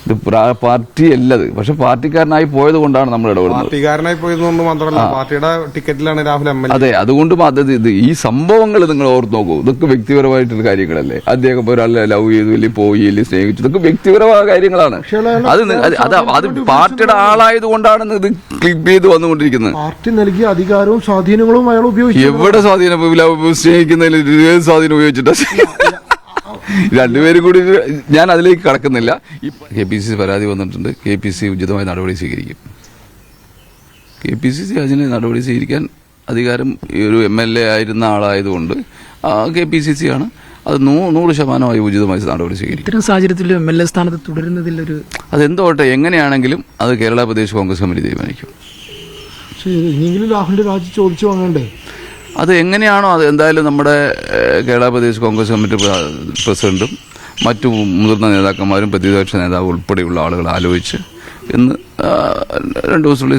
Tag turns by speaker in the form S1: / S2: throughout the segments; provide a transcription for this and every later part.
S1: ഇത് പാർട്ടി അല്ലത്. പക്ഷെ പാർട്ടിക്കാരനായി പോയത് കൊണ്ടാണ് നമ്മൾ ഇടപെടുന്നത്.
S2: പാർട്ടിക്കാരനായി പോയതുകൊണ്ട് മാത്രമല്ല, പാർട്ടിയുടെ ടിക്കറ്റിലാണ് രാഹുൽ MLA.
S1: അതെ, അതുകൊണ്ട് ഇത് ഈ സംഭവങ്ങൾ നിങ്ങൾ ഓർത്ത് നോക്കൂ. ഇതൊക്കെ വ്യക്തിപരമായിട്ടുള്ള കാര്യങ്ങളല്ലേ. അദ്ദേഹം ഒരാളെ ലവ് ചെയ്തു, ഇല്ലെങ്കിൽ പോയി, ഇല്ലെങ്കിൽ സ്നേഹിച്ചു, ഇതൊക്കെ വ്യക്തിപരമായ കാര്യങ്ങളാണ്. അത് പാർട്ടിയുടെ ആളായത് കൊണ്ടാണ് ഇത് ക്ലിപ്പ് ചെയ്ത് വന്നുകൊണ്ടിരിക്കുന്നത്.
S3: പാർട്ടി നൽകിയ അധികാരവും സ്വാധീനങ്ങളും അയാൾ ഉപയോഗിച്ചു.
S1: എവിടെ സ്വാധീനം? സ്നേഹിക്കുന്നതിൽ സ്വാധീനം ഉപയോഗിച്ചിട്ട് രണ്ടുപേരും കൂടി. ഞാൻ അതിലേക്ക് കടക്കുന്നില്ല. KPCC പരാതി വന്നിട്ടുണ്ട്. KPCC ഉചിതമായ നടപടി സ്വീകരിക്കും. KPCC അതിന് നടപടി സ്വീകരിക്കാൻ അധികാരം ഈ ഒരു MLA ആയിരുന്ന ആളായതുകൊണ്ട് KPCC ആണ്. അത് 100% ഉചിതമായി നടപടി സ്വീകരിക്കും.
S4: ഇത്തരം സാഹചര്യത്തിൽ MLA സ്ഥാനത്ത് തുടരുന്നതിലൊരു
S1: അതെന്തോട്ടെ, എങ്ങനെയാണെങ്കിലും അത് കേരള പ്രദേശ് കോൺഗ്രസ് കമ്മിറ്റി തീരുമാനിക്കും.
S3: ഇനിയെങ്കിലും രാഹുലിന്റെ രാജി ചോദിച്ചു വാങ്ങണ്ടേ?
S1: അത് എങ്ങനെയാണോ അത് എന്തായാലും നമ്മുടെ കേരള പ്രദേശ് കോൺഗ്രസ് കമ്മിറ്റി പ്രസിഡന്റും മറ്റു മുതിർന്ന നേതാക്കന്മാരും പ്രതിപക്ഷ നേതാവ് ഉൾപ്പെടെയുള്ള ആളുകൾ ആലോചിച്ച് ഇന്ന് 2 ദിവസത്തിനുള്ളിൽ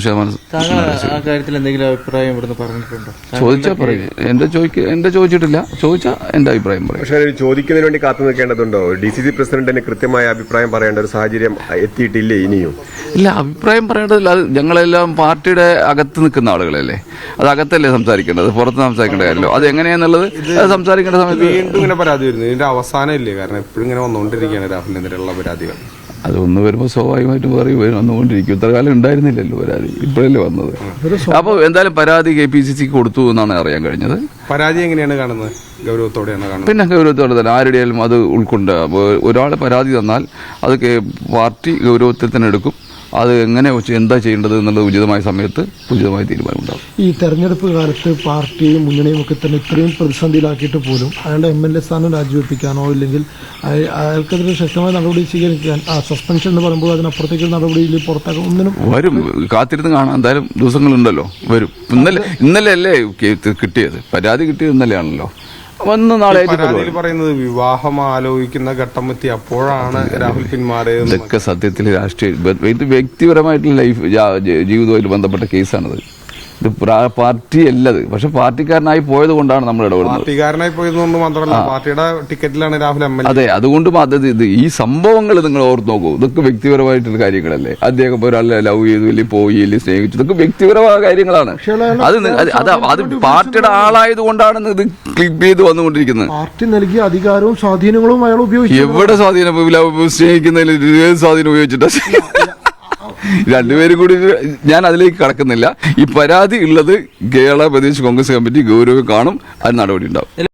S1: 100%
S5: കാര്യത്തിൽ എന്തെങ്കിലും അഭിപ്രായം ഇവിടുന്ന് പറഞ്ഞിട്ടുണ്ടോ?
S1: ചോദിച്ചാൽ പറയും. എന്റെ ചോദിച്ചിട്ടില്ല. ചോദിച്ചാൽ എന്റെ അഭിപ്രായം പറയും.
S6: പക്ഷേ ചോദിക്കുന്നതിന് വേണ്ടി കാത്തു നിൽക്കേണ്ടതുണ്ടോ? DCC പ്രസിഡന്റിന് കൃത്യമായ അഭിപ്രായം പറയേണ്ട ഒരു സാഹചര്യം എത്തിയിട്ടില്ലേ ഇനിയും?
S1: ഇല്ല, അഭിപ്രായം പറയേണ്ടതില്ല. അത് ഞങ്ങളെല്ലാം പാർട്ടിയുടെ അകത്ത് നിൽക്കുന്ന ആളുകളല്ലേ. അത് അകത്തല്ലേ സംസാരിക്കേണ്ടത്, പുറത്ത് സംസാരിക്കേണ്ട കാര്യമല്ലോ. അത് എങ്ങനെയാന്നുള്ളത് സംസാരിക്കേണ്ട സമയത്ത്
S2: വീണ്ടും ഇങ്ങനെ പരാതി വരുന്നു. ഇതിന്റെ അവസാനം ഇല്ലേ? കാരണം എപ്പോഴും ഇങ്ങനെ വന്നുകൊണ്ടിരിക്കുകയാണ് രാഹുലിനെതിരെയുള്ള പരാതികൾ.
S1: അതൊന്ന് വരുമ്പോൾ സ്വാഭാവികമായിട്ടും പറയും വന്നുകൊണ്ടിരിക്കും. ഇത്ര കാലം ഉണ്ടായിരുന്നില്ലല്ലോ പരാതി, ഇപ്പോഴല്ലേ വന്നത്. അപ്പോൾ എന്തായാലും പരാതി KPCC കൊടുത്തു എന്നാണ് അറിയാൻ കഴിഞ്ഞത്.
S2: പരാതി എങ്ങനെയാണ് കാണുന്നത്? ഗൗരവത്തോടെയാണ് കാണുന്നത്.
S1: പിന്നെ ഗൗരവത്തോടെ തന്നെ ആരുടെയാലും അത് ഉൾക്കൊണ്ട് ഒരാൾ പരാതി തന്നാൽ അത് പാർട്ടി ഗൗരവത്തിൽ തന്നെ എടുക്കും. അത് എങ്ങനെ എന്താ ചെയ്യേണ്ടത് എന്നുള്ളത് ഉചിതമായ സമയത്ത് ഉചിതമായ തീരുമാനമുണ്ടാകും.
S3: ഈ തെരഞ്ഞെടുപ്പ് കാലത്ത് പാർട്ടിയും മുന്നണിയും ഒക്കെ തന്നെ ഇത്രയും പ്രതിസന്ധിയിലാക്കിയിട്ട് പോലും അയാളുടെ MLA സ്ഥാനം രാജിവെപ്പിക്കാനോ ഇല്ലെങ്കിൽ അയാൾക്കെതിരെ ശക്തമായ നടപടി സ്വീകരിക്കാൻ സസ്പെൻഷൻ എന്ന് പറയുമ്പോൾ അതിനപ്പുറത്തേക്ക് നടപടിയിൽ പുറത്താക്കാൻ ഒന്നിനും
S1: വരും. കാത്തിരുന്ന് കാണാം. എന്തായാലും ദിവസങ്ങളുണ്ടല്ലോ, വരും. ഇന്നലെ അല്ലേ കിട്ടിയത്? പരാതി കിട്ടിയത് ഇന്നലെയാണല്ലോ.
S2: പരാതിയിൽ പറയുന്നത് വിവാഹം ആലോചിക്കുന്ന ഘട്ടം എത്തി അപ്പോഴാണ് രാഹുൽ പിന്മാറിയത്.
S1: ഇതൊക്കെ സത്യത്തിൽ രാഷ്ട്രീയ ഇത് വ്യക്തിപരമായിട്ടുള്ള ജീവിതവുമായിട്ട് ബന്ധപ്പെട്ട കേസാണിത്. ഇത് പാർട്ടി അല്ലത്. പക്ഷെ പാർട്ടിക്കാരനായി പോയത് കൊണ്ടാണ് നമ്മൾ ഇടപെടുന്നത്.
S2: പാർട്ടിക്കാരനായി പോയതുകൊണ്ട് മാത്രമല്ല, പാർട്ടിയുടെ ടിക്കറ്റിലാണ് രാഹുൽ MLA.
S1: അതെ, അതുകൊണ്ട് ഇത് ഈ സംഭവങ്ങൾ നിങ്ങൾ ഓർത്ത് നോക്കൂ. ഇതൊക്കെ വ്യക്തിപരമായിട്ടുള്ള കാര്യങ്ങളല്ലേ. അദ്ദേഹം ഒരാളെ ലവ് ചെയ്തു, ഇല്ലെങ്കിൽ പോയി, ഇല്ലെങ്കിൽ സ്നേഹിച്ചു, ഇതൊക്കെ വ്യക്തിപരമായ കാര്യങ്ങളാണ്. അത് പാർട്ടിയുടെ ആളായത് കൊണ്ടാണ് ഇത് ക്ലിപ്പ് ചെയ്ത് വന്നുകൊണ്ടിരിക്കുന്നത്.
S3: പാർട്ടി നൽകിയ അധികാരവും സ്വാധീനങ്ങളും അയാൾ ഉപയോഗിച്ചു.
S1: എവിടെ സ്വാധീനം? സ്നേഹിക്കുന്നതിൽ സ്വാധീനം ഉപയോഗിച്ചിട്ട് രണ്ടുപേരും കൂടി. ഞാൻ അതിലേക്ക് കടക്കുന്നില്ല. ഈ പരാതി ഉള്ളത് കേരള പ്രദേശ് കോൺഗ്രസ് കമ്മിറ്റി ഗൗരവം കാണും. അതിന് നടപടി ഉണ്ടാവും.